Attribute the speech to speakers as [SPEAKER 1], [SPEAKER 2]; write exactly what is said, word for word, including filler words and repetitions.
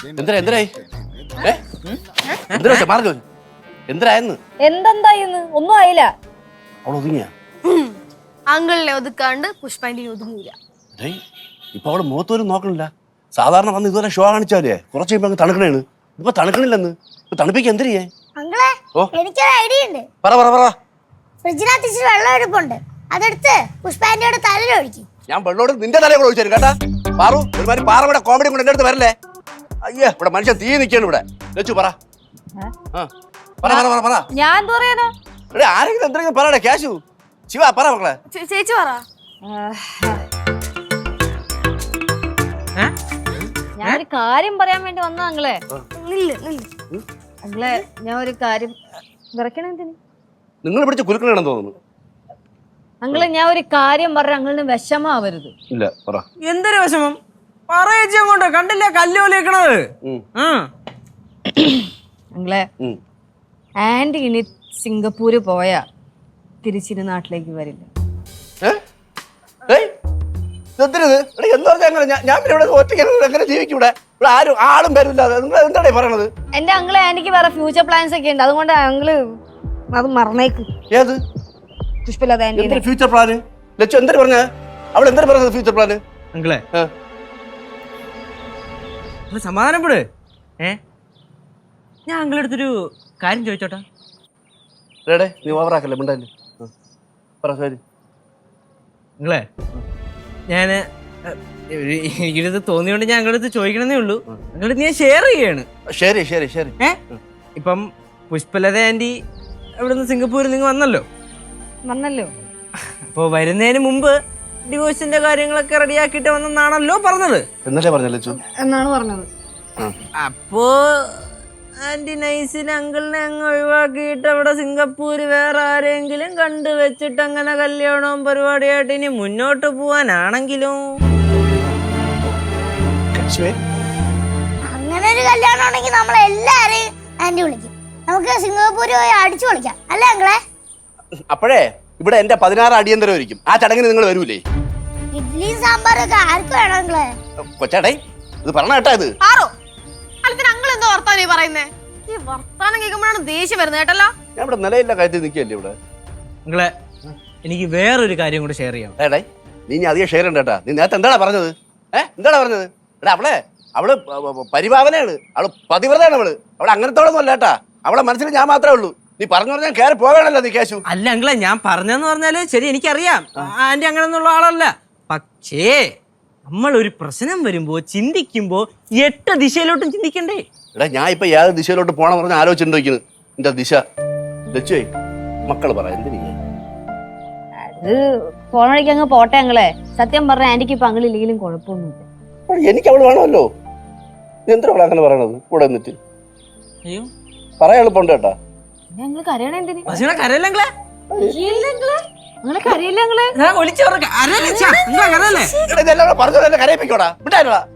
[SPEAKER 1] എന്തിനാ എന്തിനായി ഏ എന്തിനാ മാറി എന്തിനായെന്ന്
[SPEAKER 2] എന്തെന്തായിന്ന് ഒന്നും ആയില്ല.
[SPEAKER 1] അവൾ ഒതുങ്ങിയാ
[SPEAKER 3] അങ്കിളിനെ ഒതുക്കാണ്ട് പുഷ്പാന്റെ ഒതുങ്ങൂല.
[SPEAKER 1] ഇപ്പൊ അവള് മുഖത്തോലും നോക്കണില്ല. സാധാരണ വന്ന് ഇതുവരെ ഷോ കാണിച്ചാലേ കുറച്ച് കഴിയുമ്പോ തണുക്കണേണ്. ഇപ്പൊ തണുക്കണില്ലെന്ന്. ഇപ്പൊ തണുപ്പിക്ക് എന്തിരിയേ?
[SPEAKER 4] അങ്കിളെ എനിക്കൊരു ഐഡിയ ഉണ്ട്.
[SPEAKER 1] പറ പറ പറ.
[SPEAKER 4] ഫ്രിഡ്ജിനകത്ത് ഇച്ചിരി വെള്ളം എടുപ്പുണ്ട്, അതെടുത്ത് പുഷ്പാന്റിയുടെ തലയിൽ ഒഴിക്കും.
[SPEAKER 1] ഞാൻ വെള്ളോട് നിന്റെ തലയെ കൂടെ ഒഴിച്ചു കേട്ടാ. പാറു ഒരുമാതിരി പാറയുടെ കോമഡി കൊണ്ട് എന്റെ അടുത്ത് വരല്ലേ. അയ്യേ ഇവിടെ മനുഷ്യൻ തീ നിൽക്കാണ് ഇവിടെ. ലച്ചു പറ പറ പറ പറ പറ.
[SPEAKER 2] ഞാൻ എന്താ പറയാനോ?
[SPEAKER 1] ഇവിടെ ആരെങ്കിലും എന്തെങ്കിലും പറയണേ. ക്യാഷു ശിവ പറ മക്കളെ.
[SPEAKER 3] ചേച്ചി പറ.
[SPEAKER 2] ഞാനൊരു കാര്യം പറയാൻ വേണ്ടി വന്ന അങ്ങളെ.
[SPEAKER 3] നില്ല് നില്ല്
[SPEAKER 2] അങ്ങളെ ഞാൻ ഒരു കാര്യം വിറക്കണ എന്തിന്?
[SPEAKER 1] നിങ്ങൾ പിടിച്ച് കുലുക്കണെന്ന് തോന്നുന്നു.
[SPEAKER 2] അങ്ങളെ ഞാൻ ഒരു കാര്യം പറഞ്ഞ അങ്ങളിന് വിഷമാവരുത്.
[SPEAKER 1] ഇല്ല പറ.
[SPEAKER 5] എന്തൊരു വിഷമം പറയേച്ചി അങ്ങോട്ട് കണ്ടില്ല കല്ലോലിക്കണത്.
[SPEAKER 2] അങ്ങളെ ആന്റി ഇനി സിംഗപ്പൂര് പോയാ തിരിച്ചിന് നാട്ടിലേക്ക് വരില്ല.
[SPEAKER 1] ആരും ആളും വരില്ലാതെ നിങ്ങൾ എന്താണ് പറയണത്?
[SPEAKER 2] എന്റെ അങ്ങളെ ആന്റിക്ക് വേറെ ഫ്യൂച്ചർ പ്ലാൻസ് ഒക്കെ ഉണ്ട്, അതുകൊണ്ട് അങ്ങള് അത് മറന്നേക്ക്.
[SPEAKER 1] ഏത്
[SPEAKER 2] Pushpalatha aunty
[SPEAKER 1] future plan? Lachu എന്തൊരു പറഞ്ഞ അവൾ എന്തൊരു പറഞ്ഞത് ഫ്യൂച്ചർ പ്ലാന്?
[SPEAKER 5] അങ്കിളെ സമാധാനപ്പെട്. ഏ ഞാൻ അങ്കിളെ അടുത്തൊരു കാര്യം ചോദിച്ചോട്ടെ.
[SPEAKER 1] റേടേ നീ ഓവറാക്കല്ലേ മിണ്ടല്ലേ. പറ ശരി.
[SPEAKER 5] നിങ്ങളെ ഞാന് എനിക്കിത് തോന്നിയോണ്ട് ഞാൻ അങ്ങളുടെ അടുത്ത് ചോദിക്കണമെന്നേ ഉള്ളൂ. അങ്ങളുടെ ഞാൻ ഷെയർ ചെയ്യാണ്.
[SPEAKER 1] ശരി ശരി ശരി.
[SPEAKER 5] ഏ ഇപ്പം പുഷ്പലത ആന്റി ഇവിടുന്ന് സിംഗപ്പൂരിൽ നിങ്ങൾ വന്നല്ലോ
[SPEAKER 2] വന്നല്ലോ.
[SPEAKER 5] അപ്പൊ വരുന്നതിന് മുമ്പ് ഡിവോഴ്സിന്റെ കാര്യങ്ങളൊക്കെ റെഡിയാക്കിട്ട് വന്നെന്നാണല്ലോ പറഞ്ഞത്.
[SPEAKER 1] എന്നല്ലേ പറഞ്ഞല്ലോ
[SPEAKER 2] എന്നാണ് പറഞ്ഞത്.
[SPEAKER 5] അപ്പോ ആന്റി നൈസിന് അങ്കിളിനെ അങ്ങ് ഒഴിവാക്കിയിട്ട് അവിടെ സിംഗപ്പൂര് വേറെ ആരെങ്കിലും കണ്ടു വെച്ചിട്ട് അങ്ങനെ കല്യാണവും പരിപാടിയായിട്ട് ഇനി മുന്നോട്ട് പോവാനാണെങ്കിലും
[SPEAKER 4] അങ്ങനെ ഒരു കല്യാണം ഉണ്ടെങ്കിൽ നമ്മൾ എല്ലാരെയും ആന്റി വിളിക്കും. നമുക്ക് സിംഗപ്പൂര് പോയി അടിച്ചു പൊളിക്കാം അല്ലേ അങ്കിളെ?
[SPEAKER 1] അപ്പോഴേ ഇവിടെ എന്റെ പതിനാറ് അടിയന്തരം ഒരിക്കും. ആ ചടങ്ങിന് നിങ്ങൾ വരൂലേ?
[SPEAKER 4] ഇഡ്ഡലിയും സാമ്പാറും ഒക്കെ ആർക്ക് വേണം അങ്കിളെ?
[SPEAKER 1] കൊച്ചാടേ ഇത് പറഞ്ഞ കേട്ടാ. ഇത്
[SPEAKER 3] ആറോ അലത്തിന് അങ്കിൾ എന്തോ വർത്താനം ഈ പറയുന്നേ? ഈ വർത്താനം കേൾക്കുമ്പോഴാണ് ദേഷ്യം വരുന്നത് കേട്ടല്ലോ.
[SPEAKER 1] ഞാൻ ഇവിടെ നിലയില്ല കാര്യത്തിൽ നിൽക്കല്ലേ ഇവിടെ.
[SPEAKER 5] നിങ്ങളെ എനിക്ക് വേറൊരു കാര്യം കൂടെ ഷെയർ ചെയ്യാം.
[SPEAKER 1] ഏടേ നീ ഇനി അധികം ഷെയർ ഉണ്ട് കേട്ടാ. നീ നേരത്തെ എന്താടാ പറഞ്ഞത്? ഏഹ് എന്താടാ പറഞ്ഞത്? എടാ അവളെ അവള് പരിഭാവനയാണ്, അവള് പതിവ്രതയാണ്. അവള് അവളെ അങ്ങനത്തോളൊന്നും അല്ല കേട്ടാ. അവളെ മനസ്സിൽ ഞാൻ മാത്രമേ ഉള്ളൂ. നീ പറഞ്ഞു പറഞ്ഞാൽ കയറി പോകണല്ലോ നീ കേശു.
[SPEAKER 5] അല്ല അങ്കിളെ ഞാൻ പറഞ്ഞെന്ന് പറഞ്ഞാല് ശരി എനിക്കറിയാം ആന്റി അങ്ങനെയൊന്നുള്ള ആളല്ല. പക്ഷേ നമ്മൾ ഒരു പ്രശ്നം വരുമ്പോ ചിന്തിക്കുമ്പോ എട്ട് ദിശയിലോട്ടും ചിന്തിക്കണ്ടേ?
[SPEAKER 1] എടാ ഞാൻ ഇപ്പൊ ഏത് ദിശയിലോട്ട് പോകണം പറഞ്ഞ് ആലോചിച്ചിട്ടുണ്ടോക്കുന്നു. എന്റെ ദിശ ലച്ചുവേ മക്കള് പറ എന്തിനാ
[SPEAKER 2] അത് പോണ വഴിക്ക് അങ്ങ് പോട്ടെ അങ്ങളെ. സത്യം പറഞ്ഞ ആന്റിക്ക് ഇപ്പൊ അങ്ങളില്ലെങ്കിലും കുഴപ്പമൊന്നുമില്ല.
[SPEAKER 1] എനിക്ക് അവള് വേണമല്ലോ. എന്തിനാ അവളെ അങ്ങനെ പറയണത്? കൂടെ എന്നിട്ട്
[SPEAKER 5] അയ്യോ
[SPEAKER 1] പറയാൻ എളുപ്പമുണ്ട് കേട്ടാ.
[SPEAKER 2] ഞങ്ങൾ കരയണ എന്തിന്?
[SPEAKER 5] കരയല്ലേ
[SPEAKER 2] നിങ്ങളെ കരയില്ല അങ്ങളെ.
[SPEAKER 5] ഒളിച്ചു കരയല്ലേ
[SPEAKER 1] പറഞ്ഞ കരയിപ്പിക്കോടാ വിട്ടാ.